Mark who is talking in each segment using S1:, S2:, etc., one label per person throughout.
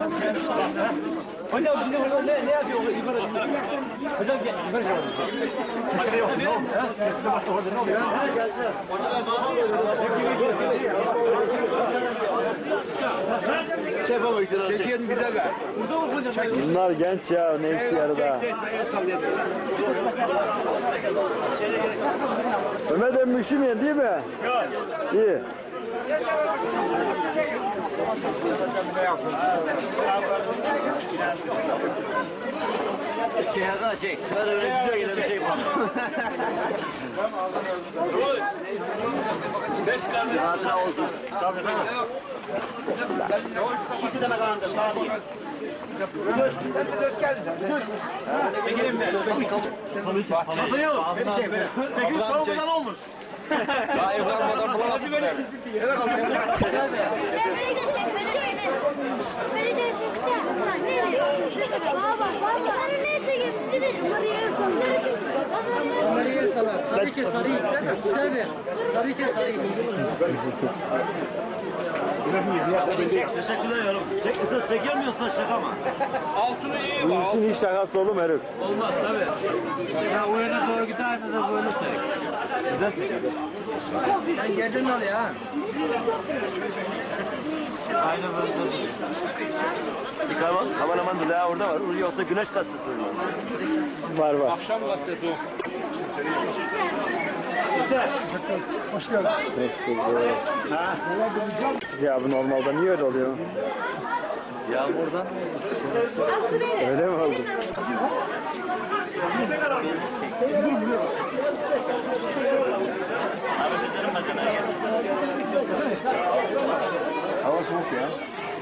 S1: Hocam bizim orada ne yapıyor? Yukarı çıksana. Hocam gel yukarı çıkalım. Makine yok ne oldu? Sesine bak orada ne oluyor?
S2: Şey yapalım işte.
S1: Çekiyelim bize ver. Burada mı hocam?
S3: Bunlar genç ya, ne ihtiyarı da. Ömer de müşümüyor değil mi?
S1: Yok.
S3: İyi.
S2: Şey Hakan çek. Böyle böyle güzel yine bir şey var.
S1: 5 tane.
S2: Hatıra olsun.
S1: Tabii.
S2: İkisi de kalandır. Sağ değil.
S1: Çekilin mi? Nasıl yok? Peki soğumadan olmuş. Daha evlenmeden bulamazsın.
S4: Sen beni de çek, beni de çekse. Baba, baba. Ne çekeyim? Bizi de Maria'ya sallar.
S5: Maria'ya salar. Sarı içe sarıyı. Sen ver. Sarı içe sarıyı.
S2: Teşekkürler yavrum. Çekiyor musun şaka mı?
S1: Altını iyi
S3: Bu
S1: bak.
S3: işin hiç şakası olur mu herif?
S2: Olmaz tabii. Ya o yana doğru giderse de böyle çek. Güzel çekiyor.
S5: Sen geldin oraya ha.
S2: Aynen böyle. Bir kameraman da daha orada var. Yoksa güneş gazetesi var.
S3: Var.
S1: Akşam gazetesi o.
S3: Hoş geldin. Ya bu normalde niye öyle oluyor?
S2: Yağmurdan.
S3: Öyle mi oldu? Hava soğuk ya.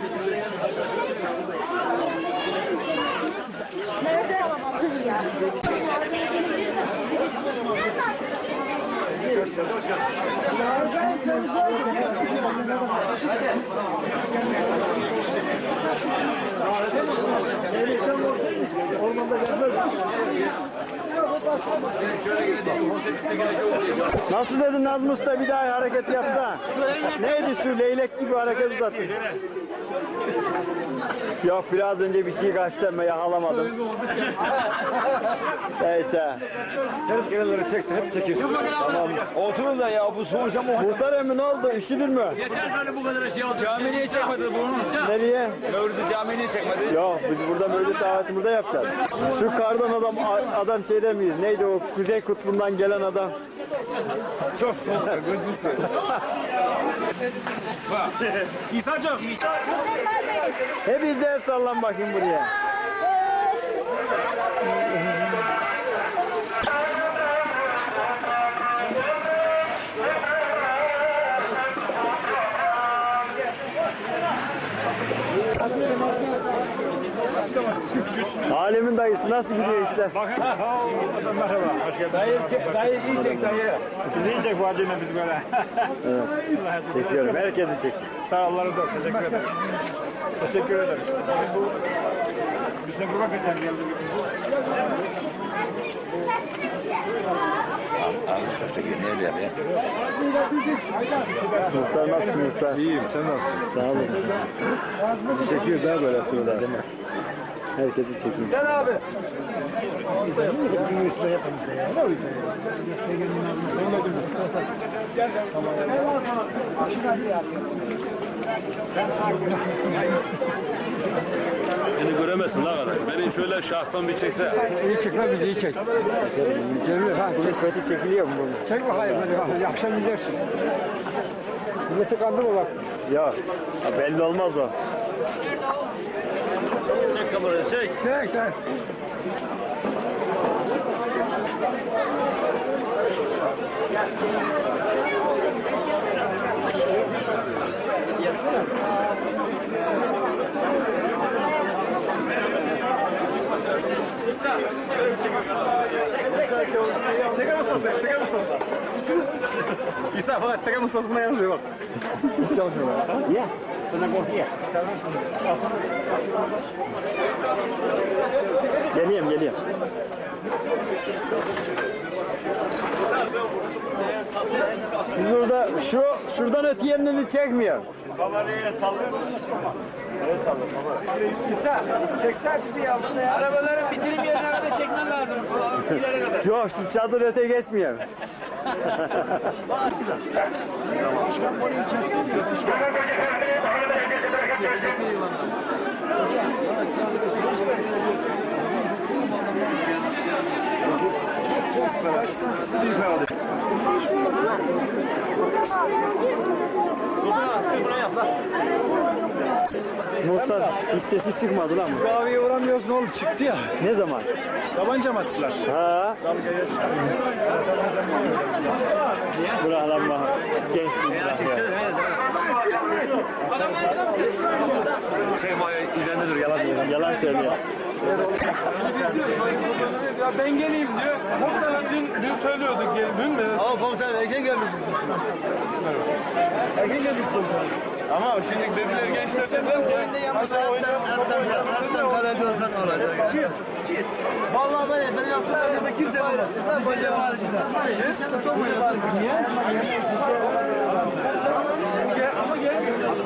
S4: Nerede kalabalık ya?
S3: Nasıl dedin Nazım Usta, bir daha hareket yapsa? Neydi şu leylek gibi hareket uzattın? Yok, biraz önce bir şey kaçtı ama yakalamadım. Neyse.
S1: Ters kenarları tek hep çekiyorsun. Tamam. Oturun da ya bu soğuşa mı?
S3: Muhtar emmi ne oldu? Üşüdün mü?
S1: Yeter böyle bu kadar şey oldu. Cami niye çekmedi bunu?
S3: Nereye?
S1: Mevlüt'ü cami niye çekmedi?
S3: Yok, biz burada mevlüt davetini burada yapacağız. Şu kardan adam şey demeyiz. Neydi o Kuzey Kutbu'ndan gelen adam?
S1: Çok soğuk. Gözünü seveyim. Bak. İsa'cığım.
S3: Hepiniz de el sallan bakayım buraya. Alemin dayısı nasıl gidiyor işler?
S1: Bakın. Merhaba. Hoş geldin. Dayı iyi çek dayı. Bizi iyi çek bu acıyla biz böyle.
S3: Evet. Çekiyorum. Herkesi çek.
S1: Sağ ol. Allah teşekkür ederim. Teşekkür ederim. Biz de bu vakitten geldik.
S2: Abi çok çekiyor. Ne öyle yapıyor?
S3: Muhtar nasılsın muhtar?
S1: İyiyim. Sen nasılsın?
S3: Sağ olasın.
S1: Çekiyor daha böyle sırada değil mi?
S3: Herkesi çekiyor.
S1: Gel abi. Beni göremezsin la kadar. Beni şöyle şahstan bir çekse.
S5: İyi çek lan bizi iyi çek. Görüyor ha.
S3: Bunun kötü çekiliyor mu bunun?
S5: Çek bakayım hadi. Akşam gidersin. Milleti kandırma bak.
S3: Yok. Ha, belli olmaz o.
S1: Çek kamerayı çek.
S5: Çek çek.
S1: İsa falan çeker misin? Buna yazıyor bak.
S3: Ya. Geliyorum. Siz burada şuradan öte yerini çekmiyor.
S2: Kamerayı sallıyor musun? Evet sallıyor baba.
S5: İsa, çeksen bizi ya.
S1: Arabaların bitirim yerine kadar çekmen lazım. İleri kadar.
S3: Yok şu çadır öte geçmiyor. Muhtar hiç sesi çıkmadı lan.
S5: Kahveye uğramıyoruz ne oğlum çıktı ya.
S3: Ne zaman?
S5: Tabanca mı attılar?
S3: Ha? Bırak lan bana. Gençliğim bırak ya.
S1: Şey üzerinde dur yalan diyor.
S3: Yalan söylüyor.
S5: Ya ben geleyim diyor. Muhtemelen dün söylüyorduk dün mü?
S1: Ama komutanım erken gelmişsiniz.
S5: Erken geldik komutanım. Ama şimdi dediler gençler dediler ki hasta oynayalım.
S1: Kaleci olsan olacak.
S5: Vallahi ben yaptım. Kimse olmaz.
S1: Koca haricinde. Sen çok mu niye?
S5: Ama gel.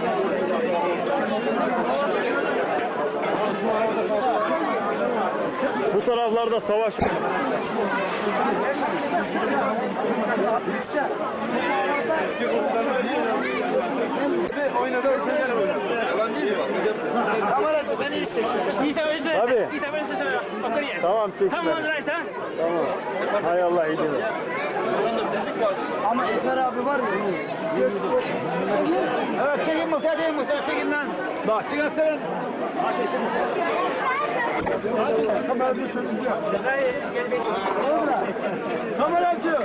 S3: Bu taraflarda savaş.
S5: Oynadı özel oynadı.
S1: Kamerası beni işte.
S3: Tabii.
S1: İsa beni sesine. Otur
S3: Tamam çekme.
S1: Tamam Azrail sen.
S3: Tamam. Hay Allah iyi dinle.
S5: Ama Eser abi var ya.
S1: Evet çekin Musa çekin Musa çekin lan.
S5: Bak çıkarsana. Kameracı çocuk ya. Kameracı.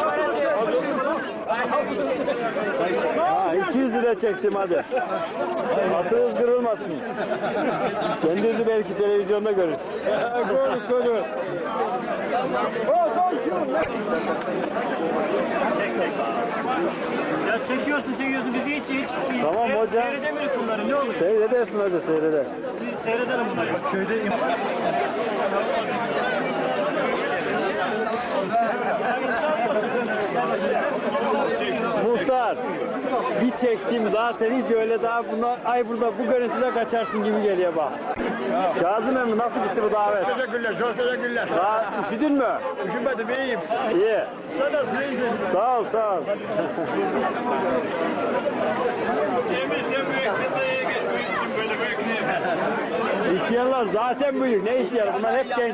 S3: Ha 200 lira çektim hadi. Atınız kırılmasın. Kendinizi belki televizyonda görürsünüz.
S5: Koru.
S1: Ya çekiyorsun bizi hiç.
S3: Tamam hocam.
S1: Seyredemiyoruz bunları ne olur.
S3: Seyredersin hoca seyreder.
S1: Seyredelim bunları.
S5: Köyde
S3: Muhtar bir çektim daha sen hiç öyle daha burada bu görüntüde kaçarsın gibi geliyor bak. Kazım emmi nasıl gitti bu davet?
S5: Teşekkürler, çok teşekkürler.
S3: Daha üşüdün mü?
S5: Üşümedim, iyiyim.
S3: İyi.
S5: Sen nasılsın, iyisin?
S3: Sağ ol sağ ol.
S2: Sen büyüksün böyle büyük niye?
S3: İhtiyarlar zaten büyük. Ne ihtiyar? Bunlar hep genç.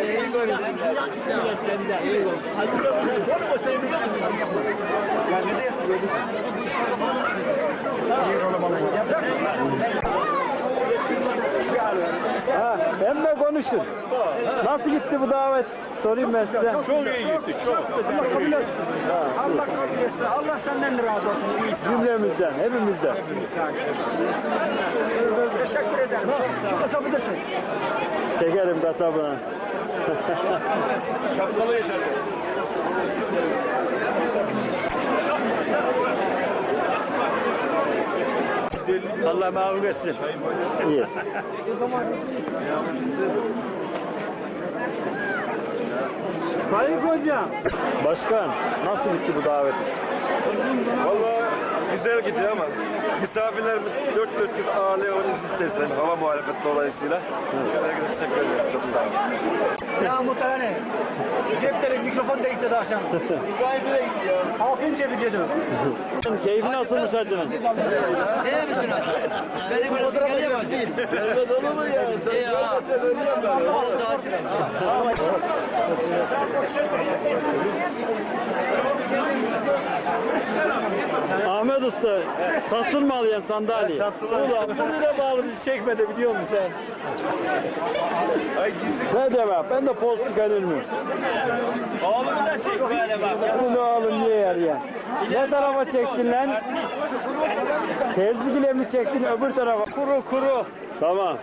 S3: Ha, benimle konuşun. Nasıl gitti bu davet? Sorayım ben size.
S5: Çok iyi gitti, çok. Allah kabul etsin. Allah kabul etsin. Allah senden razı olsun. İyisin.
S3: Cümlemizden, hepimizden.
S5: Teşekkür ederim. Şu kasabı da çek.
S3: Çekerim kasabına.
S2: Şapkalı yaşadı.
S3: Allah mağlup etsin. İyi.
S5: Sayın hocam.
S3: Başkan, nasıl gitti bu davet?
S2: Vallahi güzel gidiyor ama misafirler dört dörtlük ağırlıyor seslen hava muhalefeti dolayısıyla. Herkese teşekkür ederim. Çok sağ olun.
S1: Ya muhtemelen ne? Cepte mikrofon da gitti akşam. Halkın cebi dedi.
S3: Keyfi nasılmış hacının?
S1: Ne misin o? Benim bir fotoğraf geliyor değil.
S2: Mehmet olur mu ya? Sen görmezsen ölüyorum
S3: Ahmet Usta, satılmalı yani sandalye. Ulan bunu da bağlı bizi çekmedi biliyor musun sen?
S2: Ay gizli.
S3: Ne demek? Ben de postu gelir mi?
S1: Oğlumu da çek böyle bak.
S3: Bunu oğlum niye yer ya? Ne tarafa çektin lan? Terzigile mi çektin öbür tarafa? Kuru. Tamam.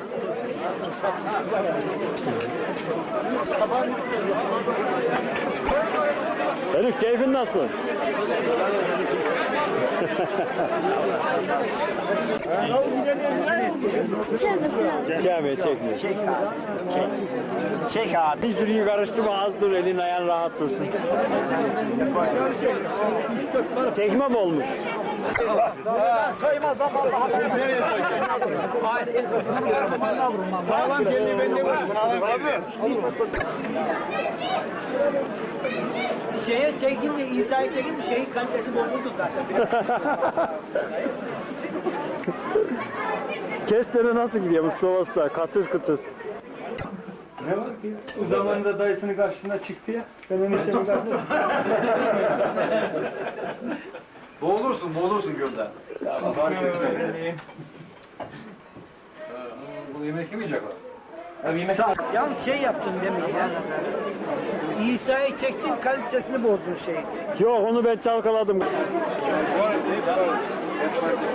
S3: Elif keyfin nasıl? Çekme çekme.
S5: Çek abi.
S3: Hiç yürüyü karıştırma az dur elin ayağın rahat dursun. Çekme mi olmuş?
S1: Saymaz ama
S5: Sağlam geldi bende var. Şeye çekince, İsa'yı çekince şeyin kalitesi bozuldu zaten.
S3: Kestene nasıl gidiyor Mustafa Usta? Katır kıtır.
S1: ne var ki? O zamanında dayısının karşısına çıktı ya. Ben onun işimi karşısına.
S2: Boğulursun gölden. Bunu yemek yemeyecek o.
S5: Yalnız şey yaptın demeyi ya. İsa'yı çektin kalitesini bozdun şeyin.
S3: Yok onu ben çalkaladım.